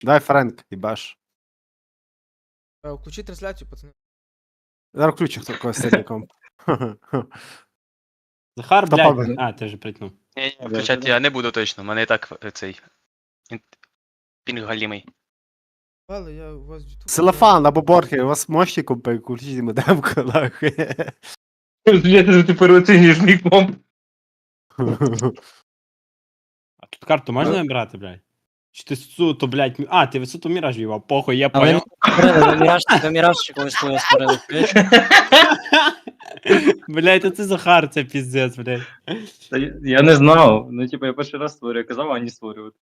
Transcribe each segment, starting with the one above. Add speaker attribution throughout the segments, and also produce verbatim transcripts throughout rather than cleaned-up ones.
Speaker 1: Дай Френк, їбаш.
Speaker 2: Е, Включи трансляцію, пацани.
Speaker 1: Зараз включу хто когось сильником.
Speaker 3: Захар,
Speaker 1: Хто
Speaker 3: блядь.
Speaker 1: победе?
Speaker 3: А, ти вже притнув.
Speaker 4: Ні, ні, включати я не буду точно, у мене і так е, цей інт- пінг галімий.
Speaker 2: Але я у вас в YouTube.
Speaker 1: Селефан або Борхер, у вас мощі купи, включіть модемку, нахуй.
Speaker 5: Блядь, ти переоцінюєш мій комп.
Speaker 3: А тут карту можна набирати, блядь? Чи ти суто, блядь, мі- а, ти висоту міраж в'їбав, похуй, я
Speaker 6: А ви
Speaker 3: понял.
Speaker 6: створили, ви міраж, ви міраж чи когось свою створили, чуєш?
Speaker 3: Блядь, та це Захар, це піздець, блядь.
Speaker 5: Та я- Я не знав. Ну, типу, я перший раз створюю, казав, а не створювати.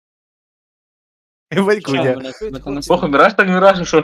Speaker 6: Що,
Speaker 1: Ванькуня.
Speaker 6: блядь, ви там
Speaker 5: Похуй, міраж так міраж, що?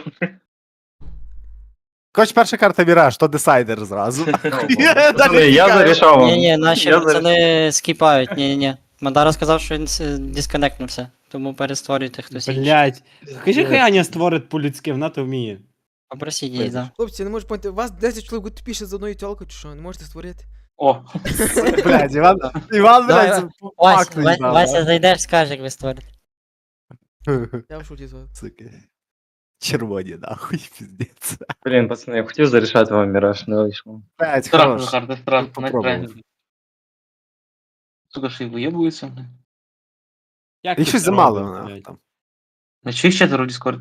Speaker 1: Хоч перша карта Міраж, то десайдер зразу.
Speaker 5: Пацани, Я зарішав вам.
Speaker 6: Ні, ні, наші
Speaker 5: Я
Speaker 6: пацани скіпають, ні, ні, ні. Мадара сказав, що він с- дисконектнувся, тому перестворюйте хтось інший.
Speaker 3: Блядь. Кажи, хай Аня створить по-людськи, вона то вміє.
Speaker 6: Попросіть її, да.
Speaker 2: Хлопці, я не можу поняти, у вас десять чоловік тупіше з одною тілкою, чи що? Не можете створити?
Speaker 5: О,
Speaker 1: Блядь, Іван, Іван,
Speaker 6: Давай,
Speaker 1: блядь, це
Speaker 6: Вась,
Speaker 1: факт
Speaker 6: Ва-
Speaker 1: їбав,
Speaker 6: Вася, зайдеш, скаже, як ви створите.
Speaker 2: Я в шуті з вас.
Speaker 1: Сука. Червоні, нахуй, піздець.
Speaker 5: блін, пацани, я хотів зарішати вам міраж, не вийшло.
Speaker 1: Блядь,
Speaker 7: Страх,
Speaker 1: хорош.
Speaker 7: Захар, да страх,
Speaker 1: Попробував.
Speaker 7: на Сука, ж і виєбується.
Speaker 3: Як
Speaker 1: І
Speaker 3: ти
Speaker 1: щось
Speaker 3: це
Speaker 1: замало,
Speaker 3: робиш,
Speaker 1: нахуй,
Speaker 3: блядь?
Speaker 1: там.
Speaker 7: На чиїх четверо в Discord?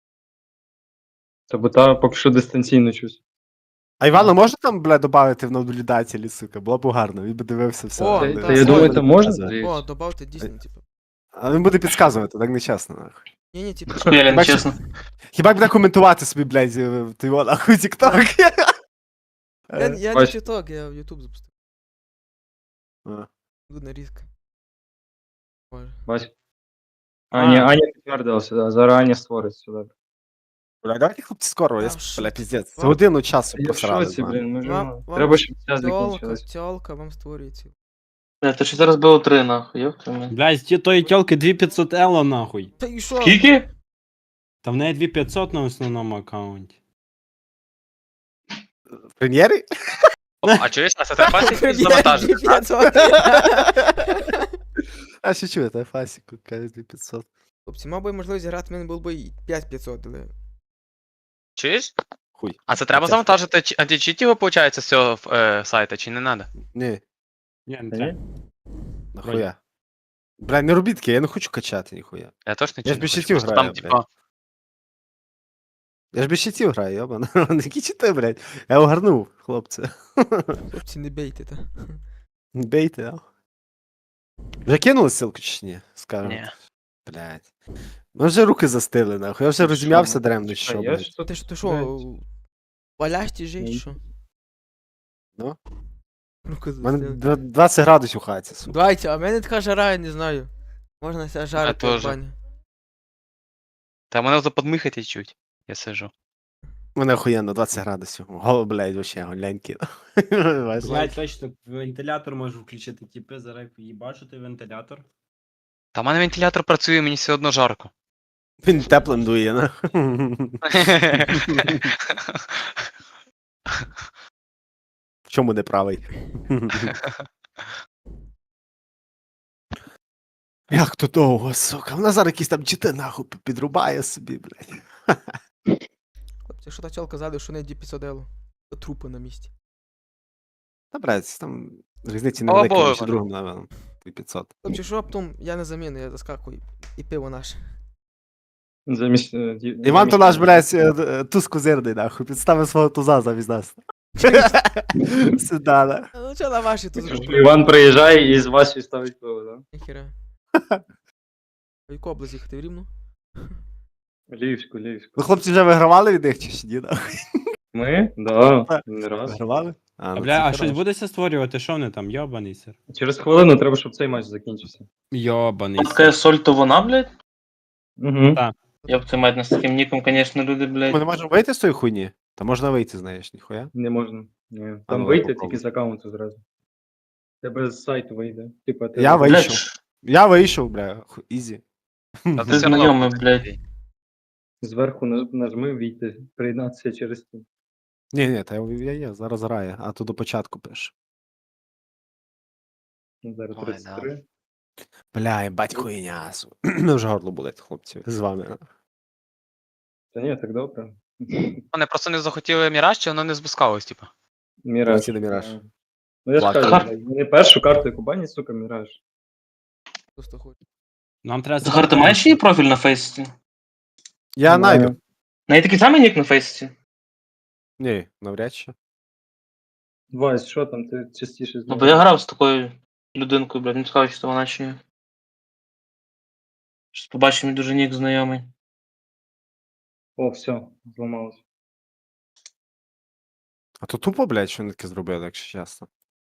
Speaker 5: Та бо та поки що дистанційно щось.
Speaker 1: А Івана можна там, блядь, додати в наблюдателі, сука? Було б гарно, він би дивився все.
Speaker 2: О,
Speaker 1: але-
Speaker 2: та,
Speaker 5: Та я
Speaker 2: та,
Speaker 5: думаю,
Speaker 2: та.
Speaker 5: це можна?
Speaker 2: О, добавте дійсно, типу.
Speaker 1: А він буде підказувати, так нечесно, нахуй.
Speaker 2: Ні, ні, типу.
Speaker 7: Хуяля, не
Speaker 1: Бачиш?
Speaker 7: чесно.
Speaker 1: Хіба буде коментувати собі, блядь, е, ти його нахуй тік-ток.
Speaker 2: Я, я не
Speaker 5: Бач.
Speaker 2: TikTok, я в YouTube запустив.
Speaker 1: А.
Speaker 2: Буде різко. Боже.
Speaker 5: Бач. Аня, Аня підтвердилася, да, зараз Аня створить сюди.
Speaker 1: Бля, давайте, хлопці, скоро, я,
Speaker 2: Та в
Speaker 1: с- бля,
Speaker 2: шоці.
Speaker 1: піздець. За
Speaker 2: Вам-
Speaker 1: годину часу
Speaker 5: Я в
Speaker 1: просрали.
Speaker 5: шоці,
Speaker 1: з вами.
Speaker 5: блін, ми ж
Speaker 2: Вам-
Speaker 5: ну,
Speaker 2: вам
Speaker 5: треба, щоб час
Speaker 2: Тьолка,
Speaker 5: закінчилось.
Speaker 2: тьолка вам створює ці.
Speaker 7: Бля, то що зараз було три, нахуй, ёб твою мать.
Speaker 3: Блядь, ті тої тьолки дві п'ятсот ело, нахуй.
Speaker 2: Та і що?
Speaker 7: Скільки?
Speaker 3: Та в неї дві п'ятсот на основному аккаунті.
Speaker 1: В прем'єрі?
Speaker 4: О, а чуєш, а це треба якось завантажити? так?
Speaker 2: п'ятсот.
Speaker 1: А що чуєте, Фасіку, каже дві п'ятсот.
Speaker 2: Хлопці, мав би можливість грати, в мене було б і п'ять п'ятсот, але...
Speaker 4: Чуєш?
Speaker 1: Хуй.
Speaker 4: А це треба
Speaker 1: Тяжко.
Speaker 4: завантажити чи- античіт його, виходить, з цього е, сайта, чи не треба?
Speaker 1: Ні,
Speaker 3: Ні, не
Speaker 5: Та
Speaker 3: треба.
Speaker 5: ні?
Speaker 1: нахуя. Бля, не робіть таке, я не хочу качати ніхуя.
Speaker 4: Я точно
Speaker 1: Я ж
Speaker 4: не
Speaker 1: без
Speaker 4: хочу,
Speaker 1: щитів
Speaker 4: просто
Speaker 1: граю,
Speaker 4: там, типа,
Speaker 1: Я ж без щитів граю, йобана. Які чити, блядь. Я огарнув, хлопці.
Speaker 2: Хлопці, не бейте, та.
Speaker 1: Бейте, а. Вже кинули ссылку чи ні? Скажемо.
Speaker 4: Ні.
Speaker 1: Блядь. Ну вже руки застили, нахуй. Я вже розім'явся дремно, чи що,
Speaker 5: Чекай, я
Speaker 1: блядь.
Speaker 5: ж тут,
Speaker 2: Ти що, ти що, валяшті жить,
Speaker 5: Ні.
Speaker 2: що?
Speaker 1: Ну?
Speaker 2: Руки
Speaker 1: У мене
Speaker 2: застили.
Speaker 1: дв- двадцять градусів у хаті, сука.
Speaker 2: Давайте, а в мене така жара, я не знаю. Можна себе жарити в
Speaker 4: теж.
Speaker 2: бані.
Speaker 4: Та мене вже подмихати чуть. Я сижу.
Speaker 1: У мене охуєнно, двадцять градусів. Го, блядь, вообще, голяньки.
Speaker 3: Блядь, точно, вентилятор можу включити, типи, зараз їбачу ти вентилятор.
Speaker 4: Та в мене вентилятор працює, мені все одно жарко.
Speaker 1: Він теплим дує, на. В чому не правий? Як то довго, сука? Вона зараз якісь там чити нахуй підрубає собі, блядь.
Speaker 2: Хлопці, що та тьолка ззаду, що не ді п'ятсот ело. Трупи на місці.
Speaker 1: Та, блядь, там різниці
Speaker 4: Слава
Speaker 1: невелика
Speaker 4: Богу,
Speaker 1: між
Speaker 4: воно.
Speaker 1: другим левелом. п'ятсот.
Speaker 2: Хлопці, що раптом я на заміну, я заскакую. І пиво наше.
Speaker 5: замість... е, ді-
Speaker 1: Іван то
Speaker 5: замість-
Speaker 1: наш, блядь, е, е, туз козирний, нахуй. Підставив свого туза замість нас. Сюда, да.
Speaker 2: Ну чо на ваші тут зробили?
Speaker 5: Іван приїжджає і з Васі ставить пиво, да?
Speaker 2: Ніхера. В яку область їхати в Рівну?
Speaker 5: Львівську, Львівську.
Speaker 1: Ви, хлопці, вже вигравали від них чи ще ні, нахуй?
Speaker 5: Ми? Да, не раз.
Speaker 1: Вигравали?
Speaker 3: А,
Speaker 1: ну,
Speaker 3: бля,
Speaker 1: це
Speaker 3: а щось
Speaker 1: хорошо.
Speaker 3: будеться створювати, що вони там, йобаний сир?
Speaker 5: Через хвилину треба, щоб цей матч закінчився.
Speaker 3: Йобаний
Speaker 7: Там така
Speaker 3: сир.
Speaker 7: соль, то вона, блядь?
Speaker 5: Угу.
Speaker 3: Так.
Speaker 7: Ёб твою мать, нас таким ніком, конечно, люди,
Speaker 1: Ми
Speaker 7: блядь.
Speaker 1: не можемо вийти з тої хуйні? Та можна вийти, знаєш, ніхуя.
Speaker 5: Не можна. Ні.
Speaker 1: А
Speaker 5: Там
Speaker 1: ну,
Speaker 5: вийти
Speaker 1: попробуй.
Speaker 5: тільки з аккаунту зразу. Тебе з сайту вийде. Типа, ти...
Speaker 1: Я
Speaker 7: Блядь,
Speaker 1: вийшов.
Speaker 7: ш-
Speaker 1: Я вийшов, бля, ху- ізі.
Speaker 4: Та
Speaker 7: Ти
Speaker 4: все одно
Speaker 7: знайомий,
Speaker 4: буде.
Speaker 7: блядь.
Speaker 5: Зверху наж- нажми війти, приєднатися через ті.
Speaker 1: Ні, ні, та я, я є, зараз грає, а то до початку пише.
Speaker 5: Ну, Зараз
Speaker 4: Ой,
Speaker 5: тридцять три.
Speaker 1: Бля, бать хуйня. су- Ми вже горло болить, хлопці, з вами.
Speaker 5: Та ні, так добре.
Speaker 4: Вони просто не захотіли міраж, чи воно не спускалось, типу.
Speaker 5: Міраж.
Speaker 1: Полетіли Міраж.
Speaker 5: Да. Ну я ж
Speaker 1: Ладно.
Speaker 5: кажу, блядь, вони першу карту яку банять, сука, Міраж.
Speaker 2: Просто хоч.
Speaker 3: Нам треба
Speaker 7: Захар, ти маєш її профіль на фейсі?
Speaker 1: Я
Speaker 5: Маю.
Speaker 1: найду.
Speaker 7: В неї такий самий нік на фейсі?
Speaker 1: Ні, навряд чи.
Speaker 5: Вась, що там, ти частіше з
Speaker 7: Ну,
Speaker 5: ним?
Speaker 7: бо я грав з такою людинкою, блядь, не цікаво, чи то вона чи ні. Щось побачив, мій дуже нік знайомий.
Speaker 5: О, все, зламалось.
Speaker 1: А то тупо, блядь, що вони таке зробили, якщо чесно.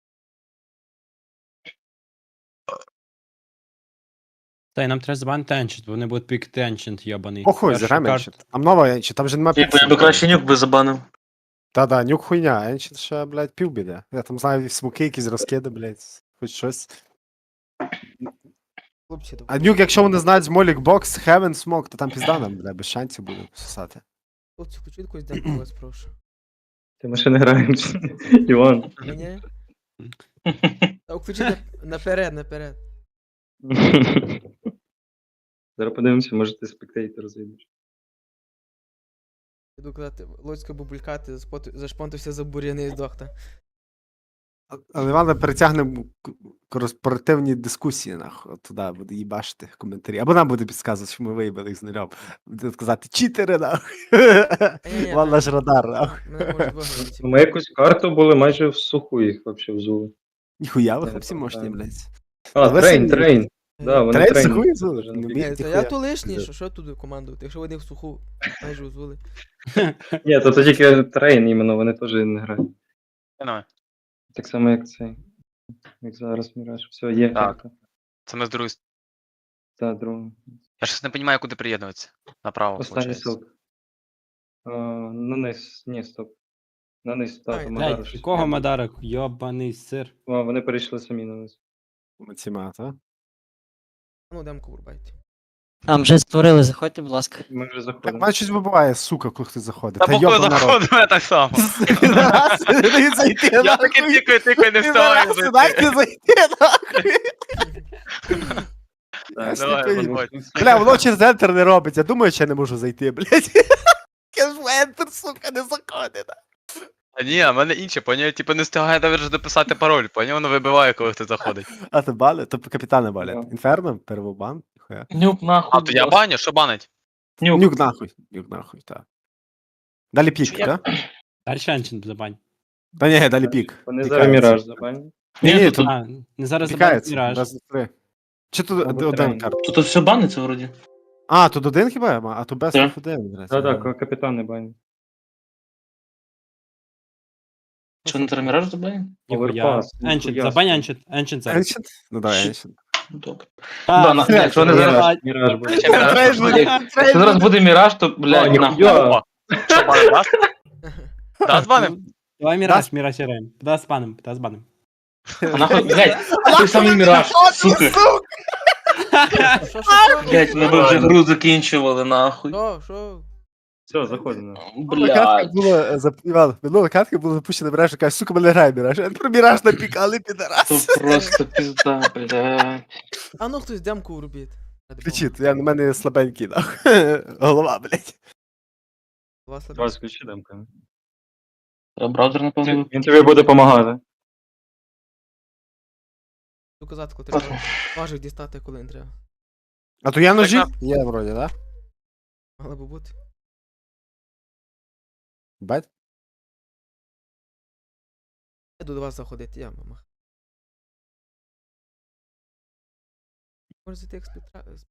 Speaker 3: Та й нам треба забанити Енчент, бо вони будуть пікти Енчент, йобаний.
Speaker 1: Похуй,
Speaker 3: Першу
Speaker 1: зіграємо
Speaker 3: карту-
Speaker 1: Енчент. Там нова Енчент, там же нема
Speaker 7: Я б, я
Speaker 1: пікселів.
Speaker 7: би краще нюк би забанив.
Speaker 1: Та-да, нюк хуйня, Енчент ще, блядь, півбіде. Я там знаю смоки, якісь розкиди, блядь, хоч щось.
Speaker 2: Хлопці,
Speaker 1: А нюк, якщо вони знають з Молік Бокс, Heaven Smoke, то там пізда нам, блядь, без шансів буде сосати.
Speaker 2: хлопці, хочу якусь демку вас прошу.
Speaker 5: Ти ми ще не граємо. Іван.
Speaker 2: Ні? Та включи на- наперед, наперед.
Speaker 5: Зараз подивимося, може ти спектейтер зайдеш.
Speaker 2: Іду казати, Лоцька бубулькати, заспот- зашпонтився за бур'яни і здох, та.
Speaker 1: А- Але Івана перетягне к- корпоративні дискусії, нахуй, от туди буде їбашити коментарі. Або нам буде підказувати, що ми виїбали їх з нульом. Буде сказати, читери, нахуй.
Speaker 2: Ні-ні,
Speaker 1: Вон
Speaker 2: мене-
Speaker 1: наш радар, нахуй.
Speaker 2: Мене можуть вигнати.
Speaker 5: Ми якусь карту були майже в суху їх вообще взули.
Speaker 1: Ніхуя ви
Speaker 5: Я
Speaker 1: хлопці
Speaker 5: не
Speaker 1: мощні,
Speaker 5: пам'ятаю.
Speaker 1: блядь.
Speaker 5: А,
Speaker 1: Ви
Speaker 5: трейн,
Speaker 1: самі-
Speaker 5: трейн. Да, вони
Speaker 1: Трейн
Speaker 5: трейн.
Speaker 1: суху взули?
Speaker 5: Дуже
Speaker 1: Не
Speaker 5: не
Speaker 1: вміють
Speaker 2: Е, Та
Speaker 1: ніхуя.
Speaker 2: я то лишній,
Speaker 5: Да.
Speaker 2: що, що туди командувати, якщо вони в суху майже узвели.
Speaker 5: Ні, то, то тільки трейн іменно, вони теж не грають.
Speaker 4: Ну,
Speaker 5: Так само, як цей. Як зараз Міраж. Все, є
Speaker 4: Так.
Speaker 5: карта.
Speaker 4: це ми з другої. с-
Speaker 5: Та, друга.
Speaker 4: Я щось не розумію, куди приєднуватися. Направо,
Speaker 5: Останній
Speaker 4: виходить.
Speaker 5: силк. А, на низ, ні, стоп. На низ,
Speaker 2: Ай,
Speaker 5: та,
Speaker 2: блядь,
Speaker 3: Блядь, якого Мадарок? Йобаний сир.
Speaker 5: А, вони перейшли самі на низ.
Speaker 1: Ціма, та?
Speaker 2: Ну, демку врубайте.
Speaker 6: Там вже створили, заходьте, будь ласка.
Speaker 5: Ми вже
Speaker 1: Так,
Speaker 5: заходимо.
Speaker 1: мене щось вибиває, сука, коли хтось заходить.
Speaker 4: Та бокою
Speaker 1: йоба народ.
Speaker 4: заходить, мене так само.
Speaker 1: Не зайти,
Speaker 4: Я
Speaker 1: нахуй.
Speaker 4: таки тикаю, тикаю, не встигаю зайти.
Speaker 1: Дайте зайти, нахуй.
Speaker 5: Так,
Speaker 4: Давай,
Speaker 1: сліпий.
Speaker 4: виходь.
Speaker 1: Бля, воно через ентер не робить. Я думаю, що я не можу зайти, блядь. Я ж в ентер, сука, не заходить.
Speaker 4: А ні, а в мене інше, поняв, типу не встигає навіть дописати пароль, поняв, воно вибиває, коли хтось заходить.
Speaker 1: А ти бали? То капітани балять.
Speaker 5: Да.
Speaker 1: Інферно? Первобан? Ніхуя.
Speaker 7: Нюк нахуй.
Speaker 4: А, то я
Speaker 7: будь ласка.
Speaker 4: баню, що банить?
Speaker 7: Нюк.
Speaker 1: Нюк нахуй. Нюк нахуй, так. Далі пік,
Speaker 7: Я-
Speaker 1: так?
Speaker 3: Далі Енчент забань.
Speaker 1: Та ні, далі пік.
Speaker 5: Вони
Speaker 1: Пікається.
Speaker 5: зараз Міраж забанять.
Speaker 1: Ні,
Speaker 7: Ні,
Speaker 1: ні,
Speaker 7: тут,
Speaker 1: тут
Speaker 3: А, не зараз забанить
Speaker 1: пікається.
Speaker 3: Міраж.
Speaker 1: Раз, два, три. Чи тут
Speaker 5: Або
Speaker 1: один
Speaker 5: трейн.
Speaker 1: карт?
Speaker 7: тут, тут все баниться вроді.
Speaker 1: А, тут один хіба? А то без
Speaker 7: Так.
Speaker 1: один. блядь.
Speaker 5: Так, так, капітани банять.
Speaker 7: Що не треба міраж забанив?
Speaker 3: Ніхуя.
Speaker 5: Оверпас,
Speaker 3: Енчент,
Speaker 5: ніхуя
Speaker 3: забань
Speaker 5: собі.
Speaker 3: Енчент, Енчент зараз.
Speaker 1: Еншент? Ну давай, Еншент.
Speaker 7: Добре.
Speaker 3: А,
Speaker 7: Да, на- якщо вони зараз-
Speaker 3: блядь.
Speaker 5: Міраж буде.
Speaker 4: Ще міраж.
Speaker 1: Трейд буде,
Speaker 7: Якщо
Speaker 1: трейд
Speaker 7: зараз
Speaker 1: буде.
Speaker 7: буде міраж, то,
Speaker 5: А,
Speaker 7: блядь, нахуй.
Speaker 5: ніхуя.
Speaker 4: О, що банить, даст? Даст баним?
Speaker 3: Давай Міраж, Міраж граємо. Да, з паном, да, з паном.
Speaker 7: А нахуй, блядь, той самий міраж, сука.
Speaker 2: Що, що, що?
Speaker 7: Блядь, ми б вже гру закінчували, нахуй.
Speaker 2: Що, що?
Speaker 5: Все, заходимо.
Speaker 1: Минула катка
Speaker 7: Блядь.
Speaker 1: була, е, зап- Іван, минула катка була запущена Міраж, і каже, сука, мене грає Міраж. Я про Міраж напікали, підарас.
Speaker 7: То просто пізда, блядь.
Speaker 2: А ну хтось демку врубіть. Ради Бога.
Speaker 1: Кричить, я на мене слабенький, нахуй. Голова, блядь.
Speaker 2: Два слабі.
Speaker 5: Давай, включи демка.
Speaker 7: Треба браузер, напевно.
Speaker 5: Він тобі буде допомагати.
Speaker 2: Ту казатку треба. Ножик дістати, коли не треба.
Speaker 1: А то я ножі?
Speaker 4: Так,
Speaker 1: Є, вроді, да?
Speaker 2: Мало би бути.
Speaker 1: Бать?
Speaker 2: Я до вас заходити, я мама. Може зайти як спітра... з-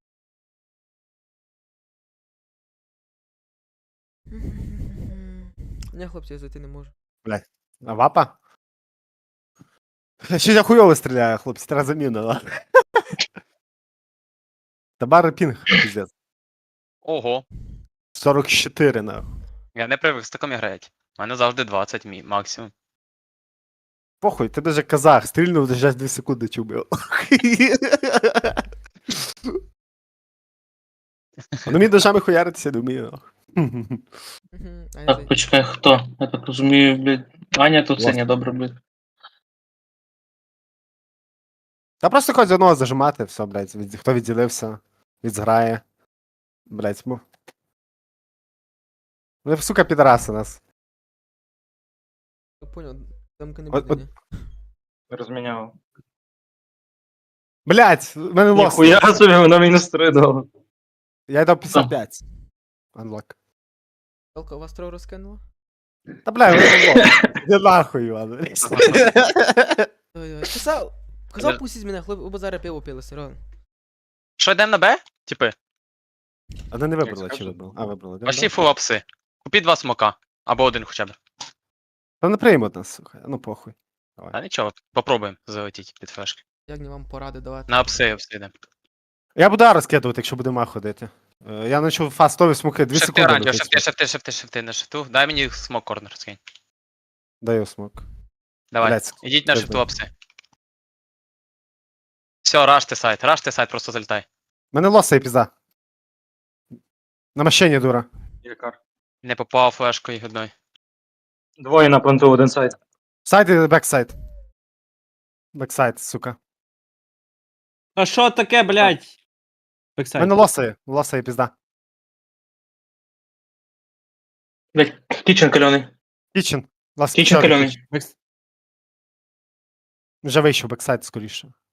Speaker 2: Ні, хлопці, я зайти не можу.
Speaker 1: А вапа? Ще я хуйово стріляю, хлопці, треба заміна, да? Табари пінг, піздець.
Speaker 4: Ого.
Speaker 1: сорок чотири, нахуй.
Speaker 4: Я не привик з такими грати. У мене завжди двадцять мі, максимум.
Speaker 1: Похуй, ти даже казах, стрільнув, за дві секунди чубив. Ну мені ножами хуяритися не вмію, нахуй.
Speaker 2: Мгм. А я
Speaker 7: Так,
Speaker 2: зайду.
Speaker 7: почекай, хто? Я так розумію, блядь. Аня тут це
Speaker 1: Власне.
Speaker 7: не добре, блядь.
Speaker 1: Та просто хоч одного зажимати, все, блядь. Від... Хто відділився, відзграє. Блядь, му. Ви, сука, підараси нас.
Speaker 2: Я понял, демка не
Speaker 1: От-
Speaker 2: буде, ні.
Speaker 5: Розміняв.
Speaker 1: Блядь, в мене лос.
Speaker 5: Ніхуя собі, воно мінус три дало.
Speaker 1: Я дав п'ятдесят п'ять. Unlock.
Speaker 2: Тілка, у вас троє розкинула?
Speaker 1: Та бля, ви лох. Не нахуй, Іван.
Speaker 2: Ой-ой, казав, казав
Speaker 4: Я-
Speaker 2: пустіть мене, хлоп, ви зараз пиво пили, серйозно.
Speaker 4: Що, йдемо на Б? Типи,
Speaker 1: А де не вибрала, чи
Speaker 5: скажу.
Speaker 1: вибрала? А, вибрала. Де,
Speaker 4: пошли
Speaker 1: да?
Speaker 4: фул апси. Купіть два смока. Або один хоча б.
Speaker 1: Та не приймуть нас, сука. Ну похуй.
Speaker 4: А нічого, попробуємо залетіти під флешки.
Speaker 2: Як не вам поради давати?
Speaker 4: На апси, апси йдемо.
Speaker 1: Я буду А розкидувати, якщо буде ма ходити. Е, Я почав фастові смоки, дві
Speaker 4: Шифти
Speaker 1: секунди.
Speaker 4: оранжево,
Speaker 1: летить
Speaker 4: шифти,
Speaker 1: смок.
Speaker 4: шифти, шифти, шифти на шифту. Дай мені смок корнер скинь.
Speaker 1: Даю смок.
Speaker 4: Давай,
Speaker 1: Блядь,
Speaker 4: ідіть на
Speaker 1: пизда.
Speaker 4: шифту апси. Все, раште сайт, раште сайт, просто залітай.
Speaker 1: Мене лоса і пізда. На машині, дура.
Speaker 5: Якар.
Speaker 4: Не попав флешкою одної.
Speaker 5: Двоє на планту, один сайт.
Speaker 1: Сайд і бексайд. Бексайд, сука.
Speaker 3: А що таке, блядь? Бексайд.
Speaker 1: Мене лоса є. Лоса і пізда.
Speaker 7: Блять, кічен кальоний.
Speaker 1: Кічен. Лас
Speaker 7: Кічен
Speaker 1: чорний
Speaker 7: кальоний.
Speaker 1: кічен.
Speaker 3: Бекс-
Speaker 1: Вже вийшов бексайд скоріше.